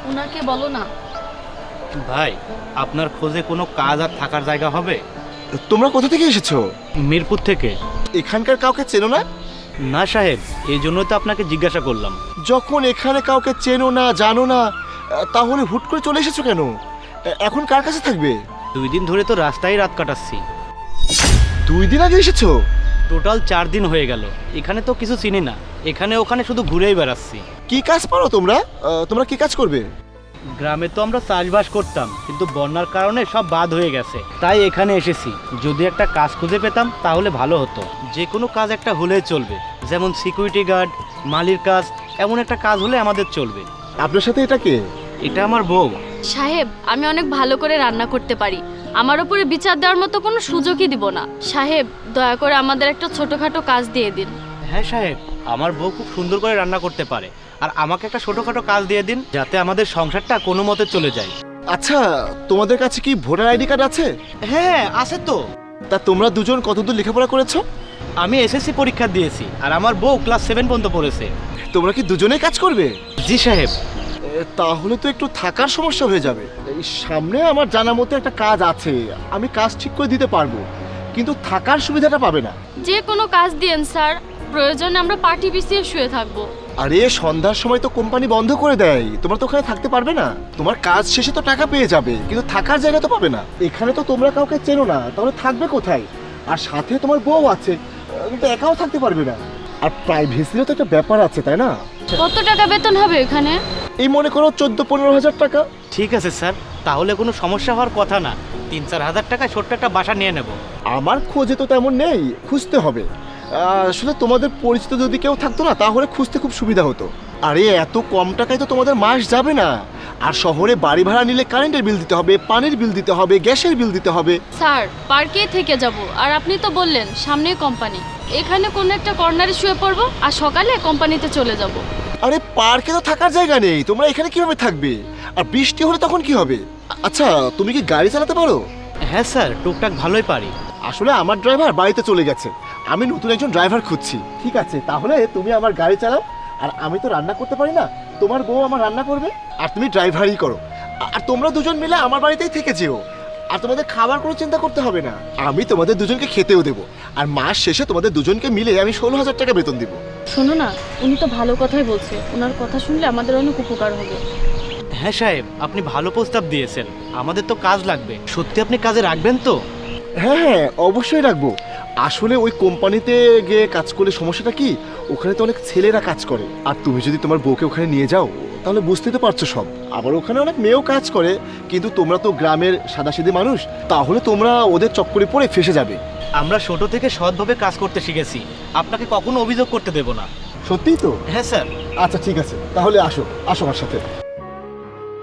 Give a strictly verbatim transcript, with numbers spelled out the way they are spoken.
ওনাকে বলো না। ভাই, আপনার খোঁজে কোনো কাজ আর থাকার জায়গা হবে? তোমরা কোথা থেকে এসেছো? মিরপুর থেকে। এখানকার কাউকে চেনো না? না সাহেব, এই জন্যই তো আপনাকে জিজ্ঞাসা করলাম। যখন এখানে কাউকে চেনো না, জানো না, তাহলে হুট করে চলে এসেছো কেন? এখন কার কাছে থাকবে? দুই দিন ধরে তো রাস্তায় রাত কাটাচ্ছি। দুই দিন আগে এসেছো? টোটাল চার দিন হয়ে গেল। এখানে তো কিছু চিনি না, এখানে ওখানে শুধু ঘুরেই বেড়াচ্ছি। কি কাজ পারো তোমরা? আহ, তোমরা কি কাজ করবে? গ্রামে তো আমরা চাষবাস করতাম, কিন্তু বন্যার কারণে সব বাদ হয়ে গেছে, তাই এখানে এসেছি। যদি একটা কাজ খুঁজে পেতাম তাহলে ভালো হতো। যে কোনো কাজ একটা হলেই চলবে, যেমন সিকিউরিটি গার্ড, মালির কাজ, এমন একটা কাজ হলে আমাদের চলবে। আপনার সাথে এটা কে? এটা আমার বউ। সাহেব, আমি অনেক ভালো করে রান্না করতে পারি। আমার উপরে বিচার দেওয়ার মতো কোনো সুযোগই দিব না। সাহেব, দয়া করে আমাদের একটা ছোটখাটো কাজ দিয়ে দিন। হ্যাঁ সাহেব, আমার বউ খুব সুন্দর করে রান্না করতে পারে, আর আমাকে একটা ছোটোখাটো কাজ দিয়ে দিন, যাতে আমাদের সংসারটা কোনো মতে চলে যায়। আচ্ছা, তোমাদের কাছে কি ভোটার আইডি কার্ড আছে? হ্যাঁ আছে তো। তা তোমরা দুজন কতদূর লেখাপড়া করেছো? আমি এসএসসি পরীক্ষা দিয়েছি, আর আমার বউ ক্লাস সেভেন পর্যন্ত পড়েছে। তোমরা কি দুজনেই কাজ করবে? জি সাহেব। এ, তাহলে তো একটু থাকার সমস্যা হয়ে যাবে। এই সামনে আমার জানা মতো একটা কাজ আছে, আমি কাজ ঠিক করে দিতে পারবো, কিন্তু থাকার সুবিধাটা পাবে না। যে কোনো কাজ দিন স্যার, প্রয়োজনে আমরা পার্টি পিছিয়ে শুয়ে থাকবো। আরে সন্ধ্যার সময় তো কোম্পানি বন্ধ করে দেয়, তোমরা তো ওখানে থাকতে পারবে না। তোমার কাজ শেষে তো টাকা পেয়ে যাবে, কিন্তু থাকার জায়গা তো পাবে না। এখানে তো তোমরা কাউকে চেনো না, তাহলে থাকবে কোথায়? আর সাথে তোমার বউ আছে, কিন্তু একাও থাকতে পারবে না। আর প্রাইভেসিরও তো একটা ব্যাপার আছে, তাই না? কত টাকা বেতন হবে এখানে? এই মনে করো চোদ্দ পনেরো হাজার টাকা। ঠিক আছে স্যার, তাহলে কোনো সমস্যা হওয়ার কথা না। তিন চার হাজার টাকায় ছোট্ট একটা বাসা নিয়ে নেব। আমার খোঁজে তো তেমন নেই, খুঁজতে হবে। আহ, আসলে তোমাদের পরিচিত যদি কেউ থাকতো না, তাহলে খুঁজতে খুব সুবিধা হতো। আরে এত কম টাকায় তো তোমাদের মাস যাবে না। আর শহরে বাড়ি ভাড়া নিলে কারেন্টের বিল দিতে হবে, পানির বিল দিতে হবে, গ্যাসের বিল দিতে হবে। স্যার, পার্কেই থেকে যাব। আর আপনি তো বললেন সামনেই কোম্পানি, এখানে কোনো একটা কর্নারে শুয়ে পড়বো আর সকালে কোম্পানিতে চলে যাব। আরে পার্কে তো থাকার জায়গা নেই, তোমরা এখানে কিভাবে থাকবে? আর বৃষ্টি হলে তখন কি হবে? আচ্ছা, তুমি কি গাড়ি চালাতে পারো? হ্যাঁ স্যার, টুকটাক ভালোই পারি। আসলে আমার ড্রাইভার বাড়িতে চলে গেছে, আমি নতুন একজন ড্রাইভার খুঁজছি। ঠিক আছে, তাহলে তুমি আমার গাড়ি চালাও। আর আমি তো রান্না করতে পারি না, তোমার বউ আমার রান্না করবে, আর তুমি ড্রাইভারই করো। আর তোমরা দুজন মিলে আমার বাড়িতেই থেকে যেও। আর তোমাদের খাবার কোনো চিন্তা করতে হবে না, আমি তোমাদের দুজনকে খেতেও দেবো। আর মাস শেষে তোমাদের দুজনকে মিলে আমি ষোলো হাজার টাকা বেতন দিব। শোনো না, উনি তো ভালো কথাই বলছে, ওনার কথা শুনলে আমাদের অনেক উপকার হবে। হ্যাঁ সাহেব, আপনি ভালো প্রস্তাব দিয়েছেন। আমাদের তো কাজ লাগবে, সত্যি আপনি কাজে রাখবেন তো? হ্যাঁ হ্যাঁ, অবশ্যই রাখবো। আসলে ওই কোম্পানিতে গিয়ে কাজ করলে সমস্যাটা কি, ওখানে তো অনেক ছেলেরা কাজ করে। আর তুমি যদি তোমার বউকে ওখানে নিয়ে যাও, তাহলে বুঝতে তো পারছো সব। আবার ওখানে অনেক মেয়েও কাজ করে, কিন্তু তোমরা তো গ্রামের সাদাসিধে মানুষ, তাহলে তোমরা ওদের চক্করে পড়ে ফেসে যাবে। আমরা ছোট থেকে সৎভাবে কাজ করতে শিখেছি, আপনাকে কখনো অভিযোগ করতে দেব না। সত্যিই তো? হ্যাঁ স্যার। আচ্ছা ঠিক আছে, তাহলে আসো আসো আমার সাথে।